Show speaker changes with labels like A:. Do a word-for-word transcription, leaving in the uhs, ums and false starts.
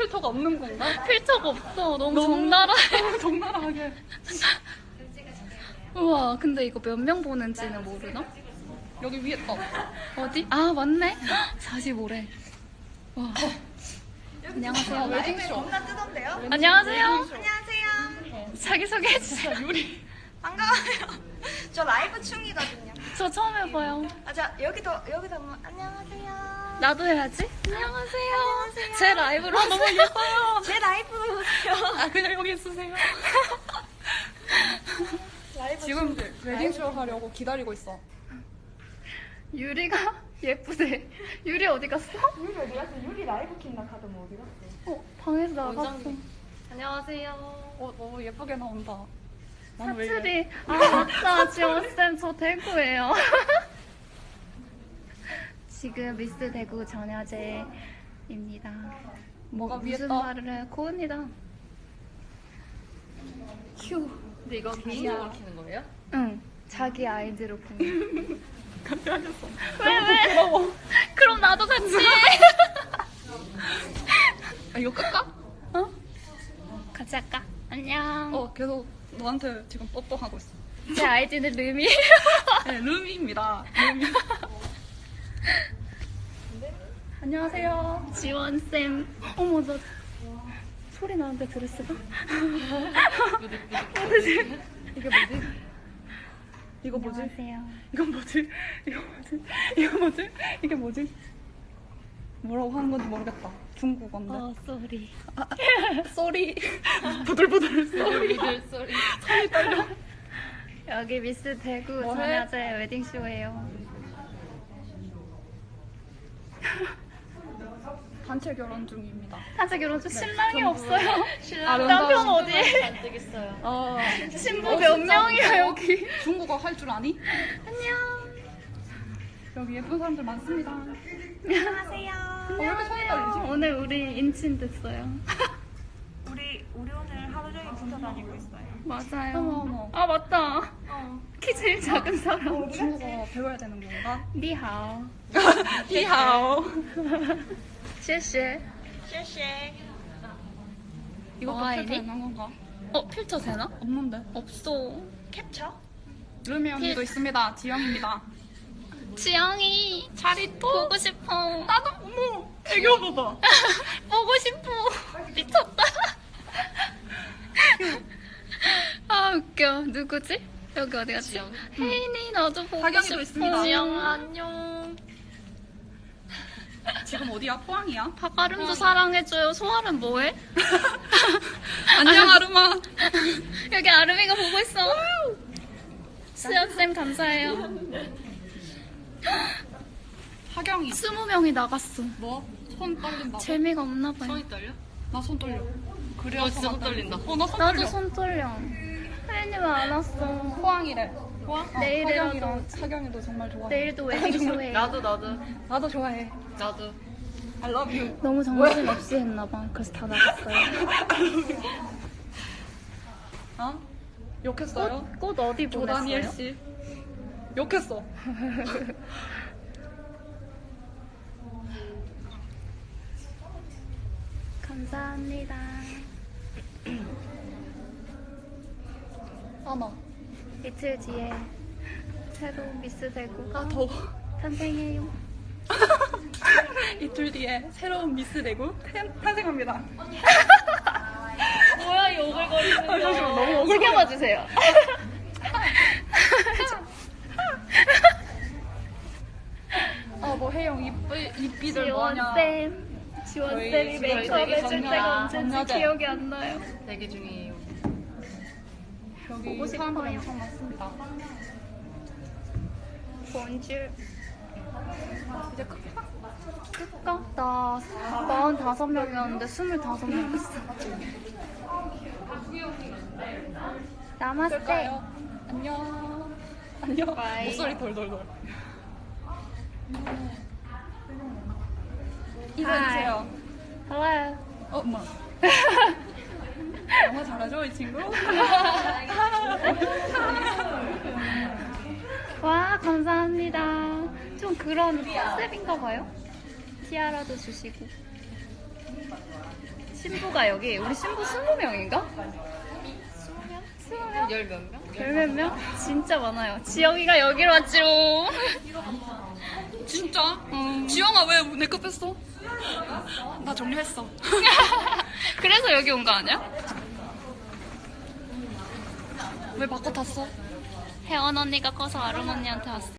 A: 필터가 없는 건가?
B: 필터가 없어. 너무, 너무 적나라해.
A: 너무 적나라하게.
B: 우와, 근데 이거 몇 명 보는지는 모르나?
A: 여기 위에 떠.
B: 어디? 아, 맞네. 사십오래. 와. 안녕하세요.
A: 웨딩쇼.
C: 겁나 뜨던데요?
B: 안녕하세요.
C: 안녕하세요.
B: 자기소개 해주세요.
A: 유리.
C: 반가워요. 저 라이브 충이거든요.
B: 저 처음 해봐요.
C: 아, 자 여기도 여기도 한번 안녕하세요.
B: 나도 해야지. 안녕하세요. 안녕하세요. 제 라이브로 아, 너무 예뻐요.
C: 제 라이브 보세요.
A: 아, 그냥 여기 있으세요.
C: 라이브
A: 지금
C: 충들.
A: 웨딩쇼 하려고 기다리고 있어.
B: 유리가 예쁘대. 유리 어디 갔어?
C: 유리 어디 갔어? 유리 라이브 킨다 카드 뭐 어디 갔어?
B: 어, 방에서 나갔어.
A: 원장님.
B: 안녕하세요.
A: 어, 너무 예쁘게 나온다. 나는 왜 이래?
B: 사투리. 아, 맞다. 지원쌤, 저 대구예요. 지금 미스 대구 전야제입니다.
A: 뭐가 위에
B: 무슨
A: 떠?
B: 말을 해? 고은이다. 휴.
D: 근데 이거 개인적으로 키는 거예요?
B: 응. 자기 아이디로 보내.
A: 같이 하셨어.
B: 왜, 왜?
A: 부러워.
B: 그럼 나도 같이 해.
A: 아, 이거 끌까?
B: 어? 같이 할까? 안녕.
A: 어, 계속 너한테 지금 뽀뽀하고 있어.
B: 제 아이디는 르미.
A: 네, 루미입니다. 루미. 안녕하세요.
B: 지원쌤. 어머, 나 소리 나는데 드레스가?
A: 이게 뭐지? 이거 뭐지?
B: 안녕하세요.
A: 이건 뭐지? 이거 뭐지? 이거 뭐지? 이게 뭐지? 뭐라고 하는 건지 모르겠다. 중국어인데.
B: 어, 쏘리.
A: 쏘리. 부들부들 쏘리.
D: 미들 소리.
A: 손이 떨려.
B: 여기 미스 대구
A: 뭐 해?
B: 전야제 웨딩쇼예요.
A: 단체 결혼 중입니다.
B: 단체 결혼 중 신랑이
A: 전부
B: 없어요.
D: 신랑
B: 남편 어디?
D: 잘 되겠어요.
A: 어,
B: 신부
A: 어,
B: 몇
A: 진짜?
B: 명이야 여기?
A: 중국어 할 줄 아니?
B: 안녕.
A: 여기 예쁜 사람들 많습니다. 어,
C: 안녕하세요.
A: 왜 이렇게 손이 떨리지?
B: 오늘 우리 인친 됐어요.
C: 우리 우리 오늘 하루 종일 붙어 다니고 있어요.
B: 맞아요.
A: 어머, 어머.
B: 아 맞다.
C: 어.
B: 키 제일 작은 사람.
A: 중국어 배워야 되는 건가?
B: 니하오.
A: 히하오.
B: 谢谢.
C: 쉐쉐.
A: 이것도
B: 와,
A: 필터
B: 이리?
A: 있는 건가?
B: 어 필터 되나?
A: 없는데.
B: 없어.
C: 캡처?
A: 루미 언니도
B: 필-
A: 있습니다. 지영입니다.
B: 지영이 자리 또 보고 싶어.
A: 나도 어머 애교 봐봐.
B: 보고 싶어. 미쳤다. 아 웃겨. 누구지? 여기 어디 갔지?
D: 지영.
B: 혜인이 나도 보고
A: 하경이도
B: 싶어.
A: 있습니다.
B: 지영 안녕.
A: 지금 어디야? 포항이야?
B: 박아름도 사랑해줘요. 소아름 뭐해?
A: 안녕 아르마.
B: 여기 아름이가 보고 있어. 수연쌤 감사해요.
A: 하경이.
B: 스무 명이 나갔어.
A: 뭐? 손 떨린다.
B: 재미가 없나 봐요.
D: 손이 떨려?
A: 나 손 떨려. 그래서
D: 어, 진짜 손
A: 나
D: 떨린다.
A: 어, 나 손
B: 나도
A: 떨려.
B: 손 떨려. 혜인이 왜 안 왔어?
A: 포항이래. 포항? 어,
B: 내일이라도-
A: 하경이랑 하경이도 정말 좋아해.
B: 내일도 웨딩쇼해요.
D: 나도 나도
A: 나도 좋아해.
D: 나도.
A: I love you.
B: 너무 정신 없이 했나봐. 그래서 다 나갔어요.
A: 어? 욕했어요?
B: 꽃, 꽃 어디
A: 조다니엘
B: 보냈어요?
A: 씨. 욕했어.
B: 감사합니다.
A: 어머.
B: 이틀 뒤에 새로운 미스 대구가
A: 아 더워.
B: 탄생해요.
A: 이틀 뒤에 새로운 미스 대구 탄- 탄생합니다.
B: 뭐야 이 오글거리는
A: 아, 잠시만, 너무 오글거려.
B: 신경만 주세요.
A: 아 뭐 혜영 입 입비들 뭐하냐.
B: 지원쌤. 지원쌤이
A: 저희
B: 메이크업
A: 되게
B: 해줄
A: 정리하-
B: 때가 언제인지
A: 정리하자.
B: 기억이 안 나요.
D: 대기 중이에요.
A: 여기
B: 보고
A: 사람들
B: 싶어요.
A: 엄청 많습니다.
B: 본줄.
A: 이제 끝까?
B: 끝까? 나 마흔다섯 명이었는데 스물다섯 명 됐어. 나마스테.
A: 끌까요? 안녕. 안녕.
B: 바이.
A: 목소리 돌돌돌. 인사해주세요.
B: Hello.
A: 어, 엄마. 영어 잘하죠, 이 친구?
B: 와 감사합니다. 좀 그런 컨셉인가 봐요. 티아라도 주시고. 신부가 여기 우리 신부 스무 명인가?
D: 열 몇 명?
B: 열 몇 명? 진짜 많아요. 지영이가 여기로 왔지롱.
A: 진짜?
B: 응.
A: 지영아 왜 내거 뺐어? 나 정리했어.
B: 그래서 여기 온 거 아니야?
A: 왜 바꿔 탔어?
B: 혜원 언니가 커서 아름 언니한테 왔어.